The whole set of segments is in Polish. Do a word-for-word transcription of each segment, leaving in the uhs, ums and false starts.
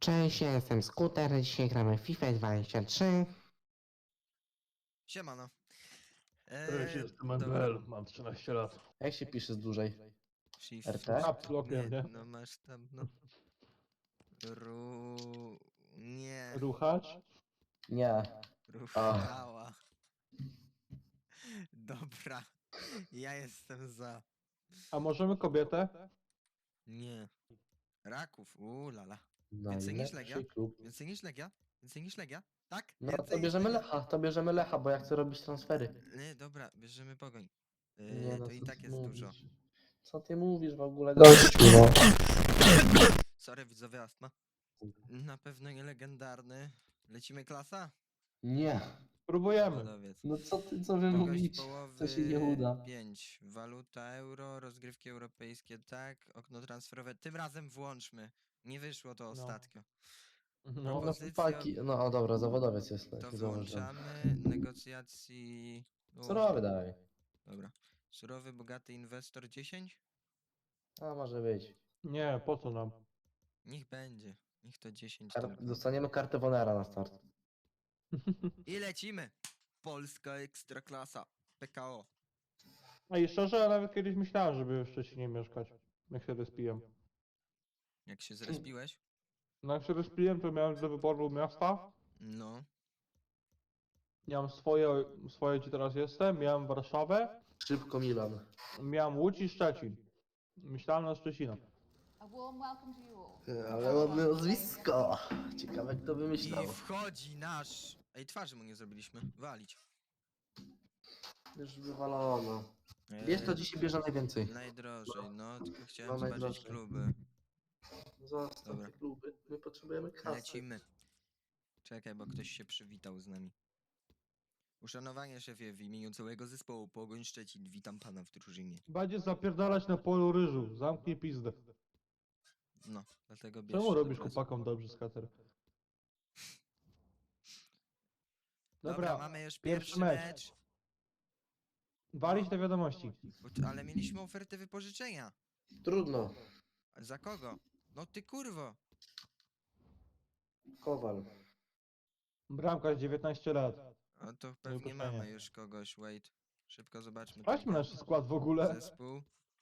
Cześć, ja jestem Skuter, dzisiaj gramy w FIFA dwadzieścia trzy. Siemano. Cześć, Eee, jestem dobra. M B L, mam trzynaście lat. Jak się pisze z dłużej? Shift. R T? Caps lockiem, nie? No masz tam, no. Ru... Nie. Ruchacz? Nie. Ruchała. Dobra. Ja jestem za. A możemy kobietę? Nie. Raków. Uuu, lala. No Więcej i niż Legia? lepszy klub. Więcej niż Legia? Więcej niż Legia? Tak? No Więcej to niż bierzemy Legia? Lecha, to bierzemy Lecha, bo ja chcę robić transfery. Nie, dobra, bierzemy Pogoń. Eee, Nie no, to i co tak ty jest dużo. mówisz? Co ty mówisz w ogóle, gościu, no? Sorry, widzowie, astma. Na pewno nie legendarny. Lecimy klasa? Nie. Próbujemy. Zawodowiec. No co ty, co wy Długość mówicie? połowy To się nie uda. pięć. Waluta euro, rozgrywki europejskie tak, okno transferowe. Tym razem włączmy. Nie wyszło to No. ostatnio. No, No Propozycja- chłopaki, no o dobra, zawodowiec jest. To tak zauważyłem. włączamy. Negocjacji. no, Surowy daj. Dobra. Surowy, bogaty inwestor dziesięć? A może być. Nie, po co nam? Niech będzie. Niech to dziesięć. Kar dobra. dostaniemy kartę Wonera na start. I lecimy. Polska Ekstraklasa. P K O. A i szczerze, ja nawet kiedyś myślałem, żeby w Szczecinie mieszkać. Jak się respiłem. Jak się zrespiłeś? No jak się respiłem, to miałem do wyboru miasta. No. Miałem swoje, swoje gdzie teraz jestem, miałem Warszawę, Szybko Milan. miałem Łódź i Szczecin. Myślałem na Szczecina. A warm welcome to you all. Ale ładne nazwisko. Ciekawe kto I wymyślał. wchodzi nasz. Ej, twarzy mu nie zrobiliśmy. Walić. Już wywalono. Wiesz, to Eee, dzisiaj bierze najwięcej. Najdrożej, no, tylko chciałem No, zobaczyć najdrożej. kluby. Zostaw Dobra. te kluby. My potrzebujemy kasy. Lecimy. Czekaj, bo ktoś się przywitał z nami. Uszanowanie szefie w imieniu całego zespołu Pogoń Szczecin. Witam pana w drużynie. Będzie zapierdalać na polu ryżu. Zamknij pizdę. No, dlatego bierzcie Czemu do robisz pracy. chłopakom dobrze, skater? Dobra, Dobra, mamy już pierwszy pierwszy mecz. mecz. Walić te wiadomości. Bo- Ale mieliśmy ofertę wypożyczenia. Trudno. A za kogo? No ty kurwo. Kowal. Bramkarz dziewiętnaście lat. A to pewnie pytanie. mamy już kogoś, wait. Szybko zobaczmy. Sprawdźmy nasz skład w ogóle. Zespół.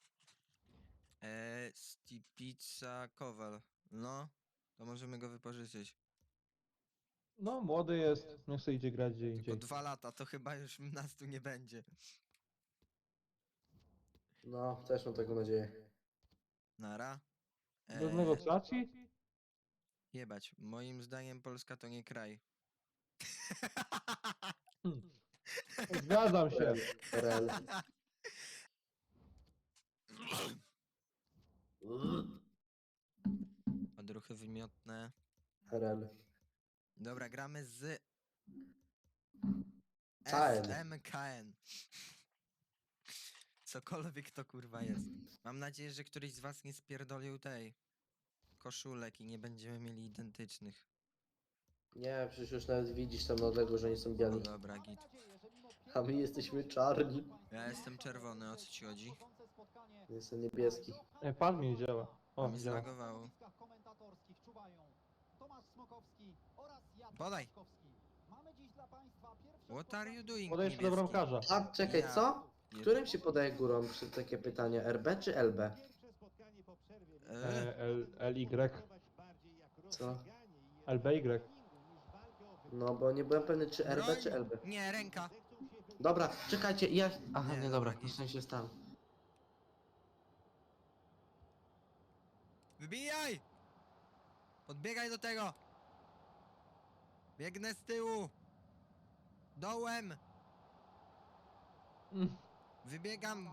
Eee, Stipica Kowal. No, to możemy go wypożyczyć. No, młody jest. Nie chce idzie grać gdzie Tylko indziej. dwa lata, to chyba już nas tu nie będzie. No, też mam taką nadzieję. Nara. Bez Eee, negocjacji? jebać, moim zdaniem Polska to nie kraj. Hmm. Zgadzam się. R L. Odruchy wymiotne. R L. Dobra, gramy z K N. S M K N. Cokolwiek to kurwa jest. Mam nadzieję, że któryś z was nie spierdolił tej koszulek i nie będziemy mieli identycznych. Nie, przecież już nawet widzisz tam na odległość, że nie są No biali. dobra, git. A my jesteśmy czarni. Ja jestem czerwony, o co ci chodzi? Jestem niebieski. Ej, pad mi nie działa. A O, mi działa. zlagowało. Podaj! What are you doing, Podejdź do niebieski? bramkarza. A, czekaj, Ja- co? Którym się podaje górą przy takie pytanie? R B czy L B? Eee, E, L, L, Y. Co? L, B, Y. No, bo nie byłem pewny czy R B broń! czy L B. Nie, ręka! Dobra, czekajcie, ja... Aha, Nie, nie, dobra, dobra, git. w sensie stał. Wybijaj! Podbiegaj do tego! Biegnę z tyłu! Dołem! Mm. Wybiegam!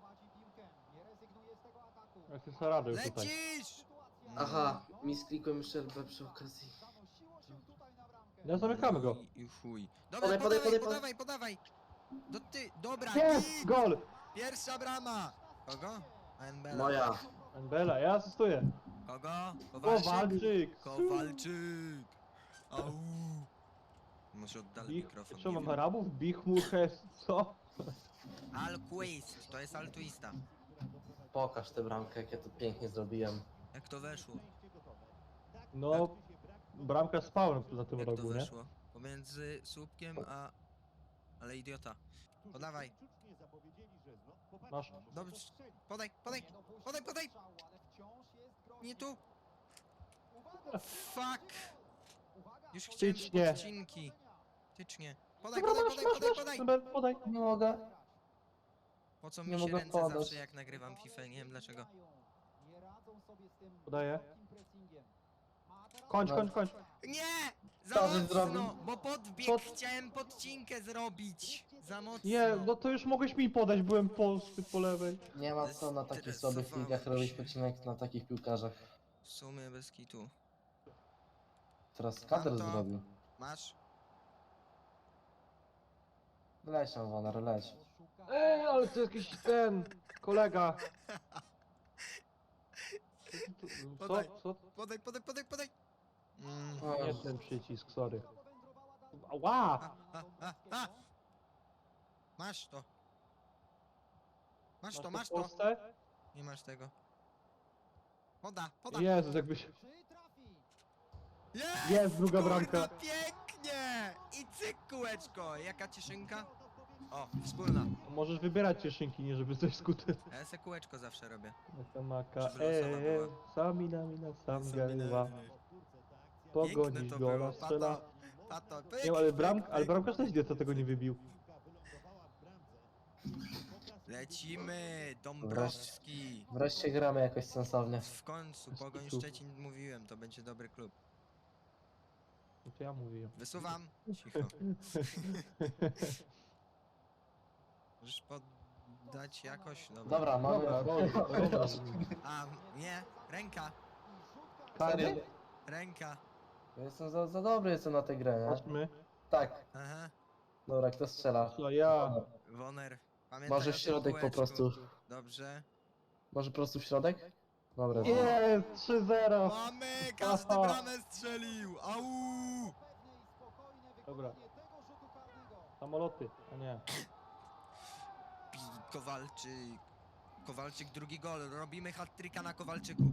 Ja się zaradę tutaj. Lecisz! Aha, mi sklikłem jeszcze L B przy okazji. Ja zamykamy go. I, i chuj. Dobra, Podaj, podaj, podawaj, podaj, podawaj, podawaj! Do ty, dobra, Jest! git! Gol! Pierwsza brama! Kogo? A N B L. Moja. Bela, ja asystuję. Kogo? Kowalczyk? Kowalczyk! Kowalczyk! Au! Może oddalę Bich, mikrofon, co nie mam wiem. Arabów? Bichmuches, co? Alquist, to jest altruista. Pokaż tę bramkę, jak ja to pięknie zrobiłem. Jak to weszło? No, bramka spawn na tym Jak to rogu, nie? weszło? Pomiędzy słupkiem a... Ale idiota. Podawaj. Masz. Dobrze. Podaj, podaj, podaj, podaj! Nie tu! Fuck! Już chciałem Tycznie. odcinki. Tycznie. Podaj, Dobra, podaj, masz, podaj, masz, podaj, masz, podaj! Dobra, podaj. Nie mogę. Po co Nie mi się mogę ręce podać. zawsze jak nagrywam FIFA, nie wiem dlaczego. Podaję. Kończ, No. kończ, kończ. Nie! Za Co żeś mocno! zrobił? Bo podbieg Co? chciałem podcinkę zrobić! Za mocno! Nie, no to już mogłeś mi podać, byłem po, po lewej. Nie ma co na takich słabych Stresowałem ligach robić się. pocinek na takich piłkarzach. W sumie bez kitu. Teraz kadr Mam to. zrobił. Masz? Leć tam, Woner, leć. Ej, ale to jakiś ten, kolega. Co, Podaj. co? Podaj, podaj, podaj, podaj! Mm. O, Nie ten przycisk, sorry. Ała! A, a, a! Masz to! Masz to, masz w to! Polsce? Nie masz tego. Poda, poda! Jezus, jakbyś... Jest! Jest druga Kurna, bramka. pięknie! I cyk, kółeczko! Jaka cieszynka? O, wspólna. Możesz wybierać cieszynki, nie żeby coś skutę. Ja se kółeczko zawsze robię. Maka, maka, Żeby losowa eee, była. sami na mina, sam galiwa. Piękne Pogonić to gola, było, strzela. pato, pato, Nie, ale pyk, bram, pyk, ale pyk. bramkarz też wie, co tego nie wybił. Lecimy, Dąbrowski. wreszcie gramy jakoś sensownie. W końcu, Bez Pogoń kitu. Szczecin mówiłem, to będzie dobry klub. No to ja mówiłem. Wysuwam. Cicho. Możesz poddać jakoś? Dobra. Dobra, mamy... Dobra, dobra, dobra. A, nie, ręka, Karny? ręka. Ja jestem za, za dobry jestem na tę grę, nie? Patrzmy. Tak. Aha, Dobra, kto strzela? Co ja? Woner. Pamiętaj Może o w tym środek po kółeczku. prostu. Dobrze. Może po prostu w środek? Dobra. Jest, trzy zero. Mamy! Każdy Aha. bramę strzelił! Au! Dobra. Samoloty, a nie. Pi- Kowalczyk. Kowalczyk drugi gol. Robimy hat-tricka na Kowalczyku.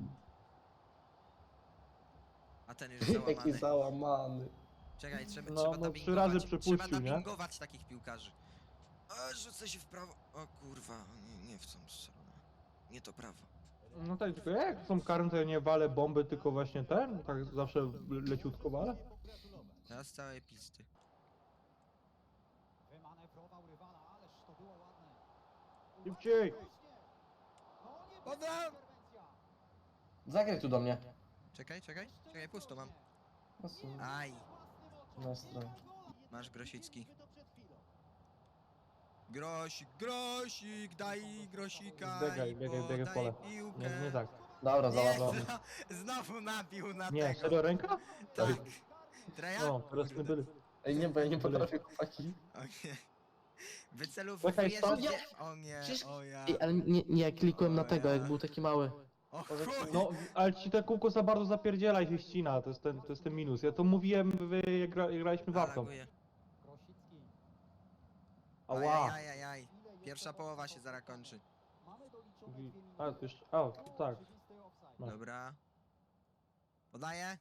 A ten już Jaki załamany. załamany. Czekaj, trzeba, No, trzeba no, dubbingować. trzy razy Trzeba przepuścił, nie? dubbingować takich piłkarzy. A, rzucę się w prawo. O kurwa, nie, nie w tą stronę. Nie to prawo. No tak, tylko jak są karne, to ja nie walę bomby, tylko właśnie ten? Tak zawsze le- leciutko walę? Teraz z całej pisty. Szybciej! Podam! Zagraj tu do mnie. Czekaj, czekaj, czekaj, pusto mam. No, są Aj, na stronie. masz Grosicki. Grosik, grosik, daj grosika Biegaj, i biegaj, biegaj w podaj pole. piłkę. Nie, nie tak. Dobra, Nie, załatwiony. zno- znowu nabił na Nie, tego. serio ręka? Tak. Treja? No, teraz nie Kurde. byli. Ej, nie, bo ja nie potrafię chłopaki. O nie. Wycelowujesz Czekaj, stop. gdzie... O nie, Przecież- o ja. Ej, ale nie, nie, ja klikłem na O tego, ja. jak był taki mały. O chuj. No, ale ci te kółko za bardzo zapierdziela i się ścina, to jest ten, to jest ten minus. Ja to mówiłem, wy, jak, gra, jak graliśmy w Arką. Reaguję. Ała! Ajajajaj. Pierwsza połowa się zaraz kończy. Mówi- A, to jeszcze, a, tak. No. Dobra. Podaję.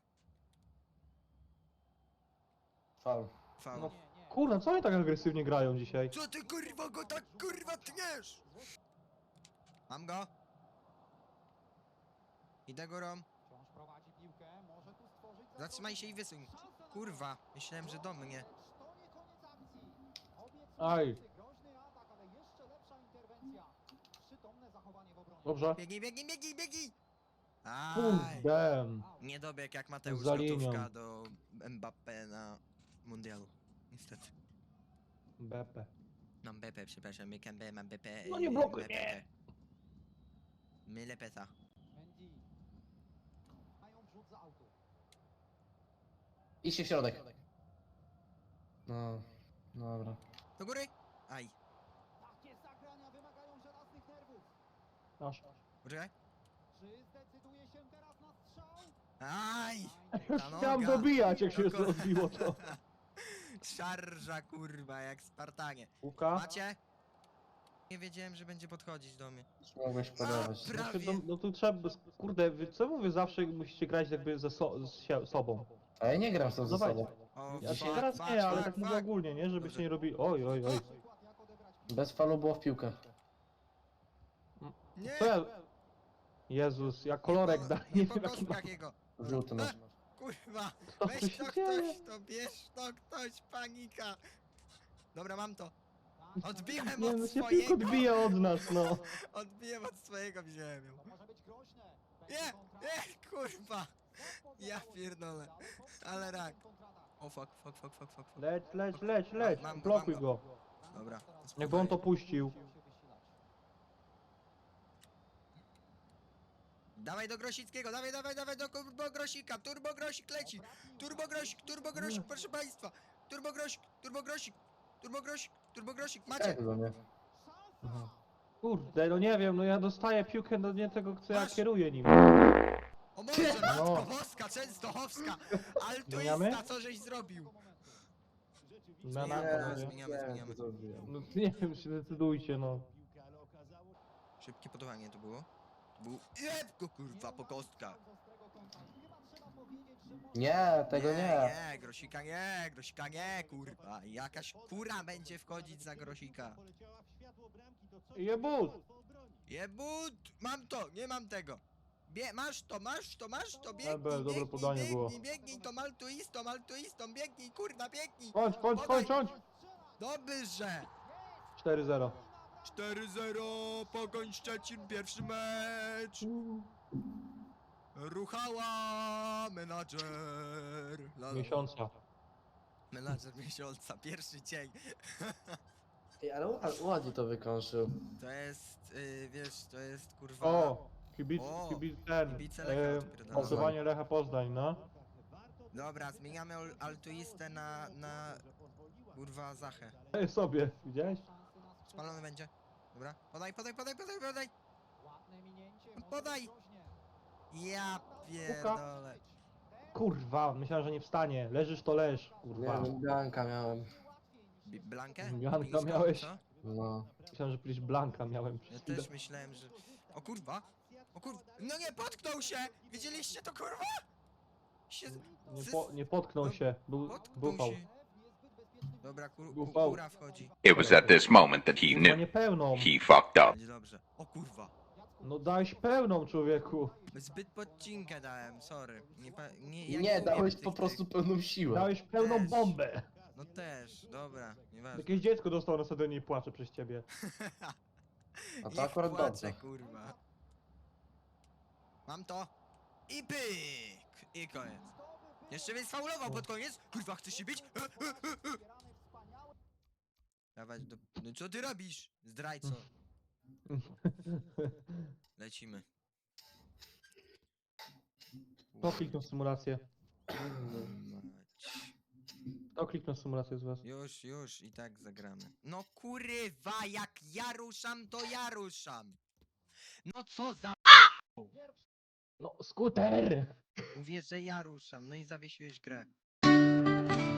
Faul. Faul. No, kurna, co oni tak agresywnie grają dzisiaj? Co ty kurwa go tak kurwa tniesz? Mam go. Idę górą. Zatrzymaj się i wysuń. Kurwa, myślałem, że do mnie. Aj, dobrze. Biegnij, biegnij, biegnij, biegnij! Aj. Kurde. Nie dobieg jak Mateusz Za linią. gotówka do Mbappé na mundialu. Niestety. B P. Mam Mbappé, przepraszam, Mbappé, mam Mbappé. No nie yy, blokuj Mbappé. mnie. Mylę peta. Idź się w środek. No, dobra. Do góry? Aj. Aż. Poczekaj. Aj! Już Ta chciałem noga. dobijać, jak się No ko- odbiło to. Szarża kurwa, jak Spartanie. Łuka? Macie? Nie wiedziałem, że będzie podchodzić do mnie. Już mogłeś podawać. pra- Znaczy, prawie. no, no tu trzeba, kurde, wy co mówię, zawsze musicie grać jakby ze so, z sie- sobą. A ja nie gram z tą Dawaj. zasadą. O, Ja fuck, się teraz fuck, nie, ale fuck, tak mówię fuck. ogólnie, nie? Żebyście Dobrze. nie robili. Oj, oj, oj. Bez falu było w piłkę. Nie! Co ja... Jezus, ja kolorek po- daję, nie nie po wiem jaki ma... kostkach jego. Żółty masz. Kurwa, Co tu weź się to dzieje? ktoś, to bierz to ktoś, panika. Dobra, mam to. Odbiłem Nie, no od się tylko swojego. odbija od nas, no. Odbiłem od swojego, wziąłem ją. Nie, nie, kurwa. Ja pierdolę. Ale rak. O fuck, fuck, fuck, fuck, fuck. fuck. Leć, leć, leć, leć. Mam go, Blokuj mam go. go. Dobra. Jakby on to spokojnie. puścił. Dawaj do Grosickiego, dawaj, dawaj, dawaj do Turbo Grosika, Turbo Grosik leci. Turbo Grosik, Turbo Grosik, proszę państwa. Turbo Grosik, Turbo Grosik, Turbo Grosik, Turbo Grosik, macie. Jak do mnie? Kurde, no nie wiem, no ja dostaję piłkę do nie tego, co ja Masz. kieruję nim. O Boże, matko No. boska, Częstochowska, Zmieniamy? altruista, co żeś zrobił? Na, na, Zmieniamy, na, no, nie? zmieniamy, Nie, zmieniamy. to zrobiłem. No nie wiem, się decydujcie, no. Szybkie podawanie to było. Był... Jeb go kurwa po kostkach. Nie, tego nie. Nie, Grosika nie, Grosika nie, kurwa. Jakaś kura będzie wchodzić za Grosika. Jebut! Jebut! Mam to, nie mam tego. Bie, masz to, masz to, masz to, biegnij, Ebel, dobre biegnij, podanie biegnij, było. biegnij, to maltuistą, maltuistą, biegnij, kurwa, biegnij. Kończ, kończ, kończ, kończ! Dobrze. cztery zero. cztery zero, Pogoń Szczecin, pierwszy mecz. Ruchała menadżer. La, la, la. Miesiąca. Menadżer miesiąca, pierwszy dzień. Ej, ale ład- ładnie to wykończył. To jest, yy, wiesz, to jest kurwa... O! Kibic, O, kibic ten. kibice Lecha E, odpierdalają. Głosowanie Lecha Poznań, no. Dobra, zmieniamy ol- altuistę na, na... Kurwa, Zachę. Ej, sobie, widziałeś? Spalony będzie. Dobra, podaj, podaj, podaj, podaj, podaj! Podaj! Ja pierdolę. Kurwa, myślałem, że nie wstanie. Leżysz to leż, Nie kurwa. wiem, Blanka miałem. Bi- Blankę? Blanka Bisko, miałeś? co? No. Myślałem, że przecież Blanka miałem Ja przez chwilę. też myślałem, że... O kurwa! O kurwa! No nie, potknął się! Widzieliście to kurwa? Się... Nie, z- po, nie potknął no, się, był, Potknął bufał. się. Dobra, kur, Był ku, fał. kura wchodzi. It was at this moment that he No knew nie pełną. he fucked up. Będzie dobrze. O kurwa! No dałeś pełną, człowieku. Zbyt podcinkę dałem, sorry. Nie, pa, nie, ja Nie, umiem dałeś tych- po tych- prostu pełną siłę. Dałeś pełną Też. bombę. No też, dobra, nieważne. Jakieś dziecko dostało na stadionie i płacze przez ciebie. A to Niech akurat płacze, dobrze. kurwa. Mam to. I pyk! I koniec. Jeszcze mnie sfaulował pod koniec. Kurwa, chcesz się bić? E, e, e, e. Dawać do... No co ty robisz? Zdrajco. Lecimy. Kto kliknął symulację? Mać. Kto kliknął symulację z was? Już, już i tak zagramy. No kurwa, jak ja ruszam, to ja ruszam. No co za... No, skuter! Mówię, że ja ruszam, no i zawiesiłeś grę.